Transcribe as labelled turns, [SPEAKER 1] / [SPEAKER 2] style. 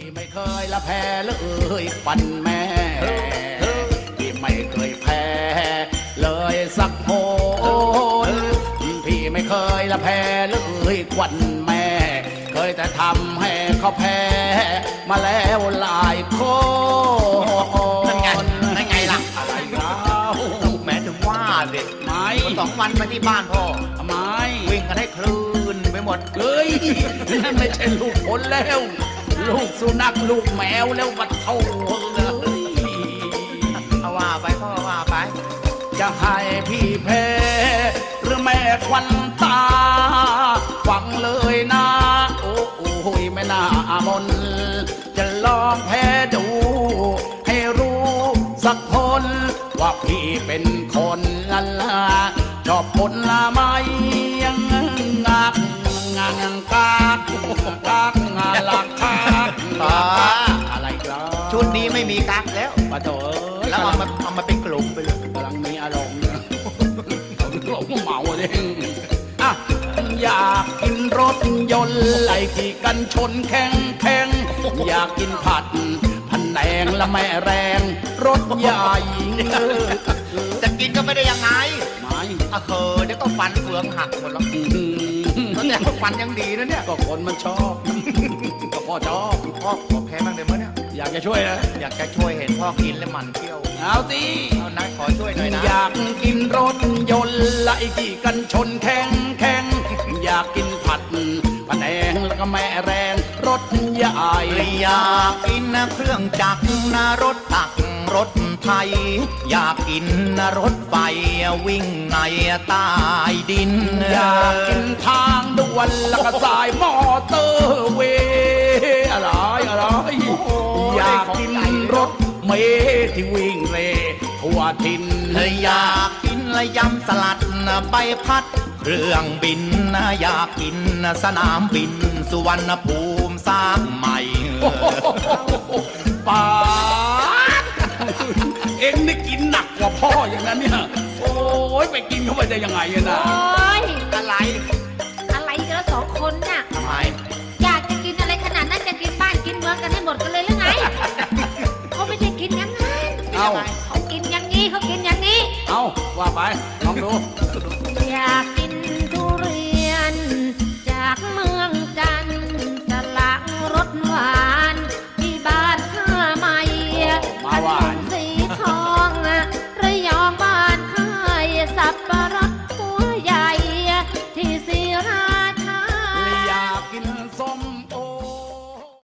[SPEAKER 1] ไม่เคยละแพ้เลยฟันแม่พี่ไม่เคยแพ้เลยสักโหนพี่ไม่เคยละแพ้เลยควันแม่เคยแต่ทำให้เขาแพ้มาแล้วหลายคน
[SPEAKER 2] นั่นไงล่ะ
[SPEAKER 1] อะไรแล้ว
[SPEAKER 2] แม้ถึงว่าเด็ก
[SPEAKER 1] ไม่
[SPEAKER 2] 2 วันมาที่บ้านพ่อ
[SPEAKER 1] ไม่
[SPEAKER 2] วิ่งกันให้คลื่นไปหมด
[SPEAKER 1] เฮ้ยนั่นไม่ใช่ลูกคนแล้ว ลูกสุนัขลูกแมวแล้วบัดเท่าเลย
[SPEAKER 2] เอาว่าไปพ่อว่าไป
[SPEAKER 1] จะให้พี่แพ้หรือแม่ควันตาฟังเลยนะ โอ้โหแม่นามนจะลองแพ้ดู ให้รู้สักคนว่าพี่เป็นคนละละชอบผลไม้ยังงักกากงาลักอะไรกัน
[SPEAKER 2] ชุดนี้ไม่มีกั๊กแล้ว
[SPEAKER 1] ปะโถ
[SPEAKER 2] แล้วเอามาเป็นกลุ่มไปเลย
[SPEAKER 1] กำลังมีอารมณ์หลงเมาเองอ่ะอยากกินรถยนต์ไหลขี่กันชนแข่งอยากกินผัดพันแนงและแม่แรงรถใหญ่
[SPEAKER 2] จะกินก็ไม่ได้ยังไง
[SPEAKER 1] ไม่
[SPEAKER 2] เดี๋ยวก็ฟันเฟืองหักหมดแล้วแต่ฟันยังดีนะเนี่ย
[SPEAKER 1] ก็คนมันชอบ ก็พ่อชอบ
[SPEAKER 2] พ่อขอแพ้บ้างได้ไหมเนี่ย
[SPEAKER 1] อยากจะช่วยนะ
[SPEAKER 2] อยากจะช่วยเห็นพ่อกินแล้วมันเที่ยว
[SPEAKER 1] เอาสิ
[SPEAKER 2] เอานะขอช่วยหน่อยนะ
[SPEAKER 1] อยากกินรถยนต์ไล่ขี่กันชนแข่งอยากกินผัดผนงแล้วก็แม่แรงรถใหญ่
[SPEAKER 2] อยากกินเครื่องจักรรถตักรถไทย อยากกินรถไฟวิ่งในใต้ดิน
[SPEAKER 1] อยากกินทางด่วนแล้วก็สายมอเตอร์เวย์อะไรอยากกินรถเมล์ที่วิ่งเร่ทั่วทิน
[SPEAKER 2] อยากกินยำสลัดใบพัดเครื่องบินอยากกินสนามบินสุวรรณภูมิสร้างใหม่
[SPEAKER 1] ป้าดเอ็งนี่กินหนักกว่าพ่ออย่างนั้นเนี่ยโอ้ยไปกินเข้าไปได้ยังไงอะนะ
[SPEAKER 3] โอ๊ย
[SPEAKER 2] อะไร
[SPEAKER 3] อะไรกันละ2 คนน่ะ
[SPEAKER 2] ทำไม
[SPEAKER 3] อยากจะกินอะไรขนาดนั้นจะกินบ้านกินเมืองกันให้หมดกันเลยหรือไง เขาไม่ได้กินอย่างนั้น
[SPEAKER 1] เอา
[SPEAKER 3] เขากินอย่างนี้เขากินอย่างนี้
[SPEAKER 1] เอาว่าไปลองดู
[SPEAKER 3] อยาก